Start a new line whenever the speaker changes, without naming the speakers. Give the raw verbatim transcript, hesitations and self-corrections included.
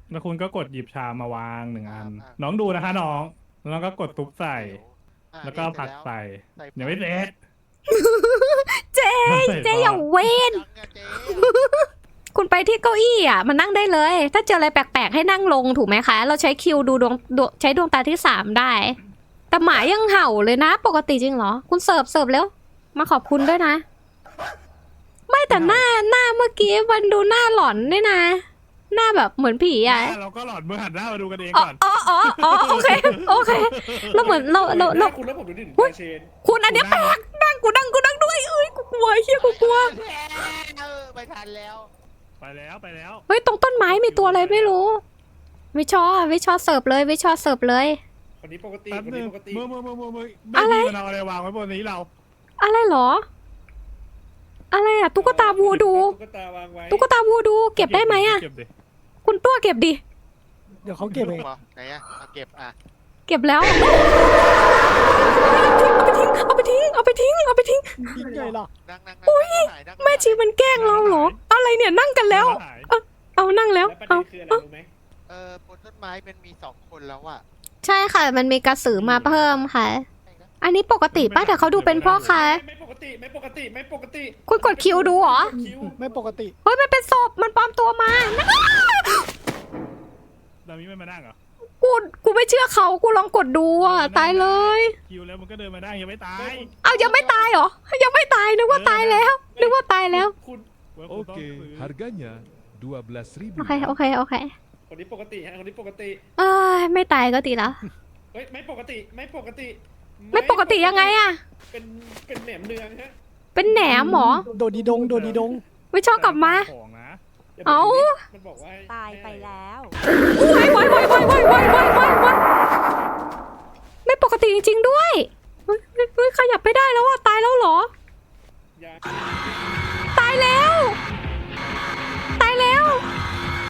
แล้วคุณก็กดหยิบชามาวางหนึ่งอัน
อ่า
น้องดูนะคะน้องแล้วน้องก็กดตุ๊บใส่
อ่ะ
แล้วก็
นี่
ผัก
เสร็จ
ใส่
แล้ว
ยังไม่เสร็จ
เจ๊เจ๊อย่าเว้น
ยังอะเจ๊
คุณไปที่เก้าอี้อ่ะมันนั่งได้เลย ถ้าเจออะไรแปลกๆให้นั่งลงถูกไหมคะ เราใช้คิวดูดวงดวงใช้ดวงตาที่สามได้ แต่หมายังเห่าเลยนะ ปกติจริงเหรอ คุณเสิร์ฟเสิร์ฟแล้ว มาขอบคุณด้วยนะ ไม่แต่หน้าหน้าเมื่อกี้มันดูหน้าหลอนด้วยนะ หน้าแบบเหมือนผีอ่ะ
เราก็หลอดเมื่อหันหน้ามาดูกันเอง
อ๋อ
ก่อน
อ๋ออ๋ออ๋อโอเคโอเคเราเหมือนเราเราเรา
คุณแล้วผมดูดิถึง
อุ๊ย
เชน
คุณอันเนี้ยแปลกนั่งกูนั่งกูนั่งด้วยเอ้ยกูกลัวเฮียกูกลัว
เออไม่ทันแล้ว
ไปแล้วไปแล้ว
เฮ้ยตรงต้นไม้มีตัวอะไรไม่รู้ วิชอวิชอเสิร์ฟเลยวิชอเสิร์ฟเลย
คนนี้ปกติ
แป๊บ
คน
นึ
นี้
ง
ปกติ
มือมือมือมือมือ
อะไร
ไม่มีมันเอาอะไรวางไว้บนนี้เรา
อะไรเหรอ อะไรอะตุ๊กตาวูดู
ตุ๊กตาวางไว้
ตุ๊กตาวูดู เก็บได้ไหมอะ
เก็บดิ
คุณตัวเก็บดิ
เดี๋ยวเขาเก็บเอง
ไหนอะเอาเก็บอ่ะ
เก็บแล้ว เอาไปทิ้ง เอาไปทิ้ง เอาไปทิ้ง เอาไปทิ้ง
ยิ่งใหญ่หรอ
นั่งนั่งนั่งนั่งนั่ง
แม่ชีมันแกล้งเราเหรอ อะไรเนี่ยนั่งกันแล้ว
หาย
เอานั่งแล้ว
แล้วประเด็
เอา
นคืออะไรรู้ไหม
เออบนต้นไม้มันมีสองคนแล้วอะ
ใช่ค่ะ มันมีกระสือมาเพิ่มค่ะ อันนี้ปกติป่ะแต่เขาดูเป็นพ่อค้า
ไม่ปกติไม่ปกติไม่ปกติ
คุณกดคิวดูเหรอ
คิว
ไม่ปกติ
เฮ้ยมันเป็นศพ มันปลอมตัวมา
ดามิไม่มานั่งเหรอ
กู กูไม่เชื่อเขา กูลองกดดูอ่ะ ตายเลย
คิวแล้วมันก็เดินมาได้ยังไม่ตาย
เอายังไม่ตายเหรอ ยังไม่ตายนึกว่าตายแล้ว นึกว่าตายแล้ว
คุณ
ว่าคุณต้อง
Oke,
ซื้อ
harganya dua belas
โอ
ribu.
เค โอเค โอเค
คนนี้ปกติฮะคนนี้ปกติ
เอ้ยไม่ตายก็ดีแล้ว
เฮ้ยไม่ปกติไม่ปกติ
ไม่ปกติยังไงอะ
เป็นเป็นแหนมเนืองฮะ
เป็นแหนมเหรอ
โดดีดง โดดีดง
ไม่ชอบกลับมา
ของนะ
ดี๋ยว
เอ้า
ผมดูดิมันบอกว่าให้
ตายไปแล้ว
วายวายวายวายวายวายวายวายวายไม่ปกติจริงๆด้วยเฮ้ยเฮ้ยเฮ้ยขยับไม่ได้แล้วอ่ะ ตายแล้วเหรอ
อย่า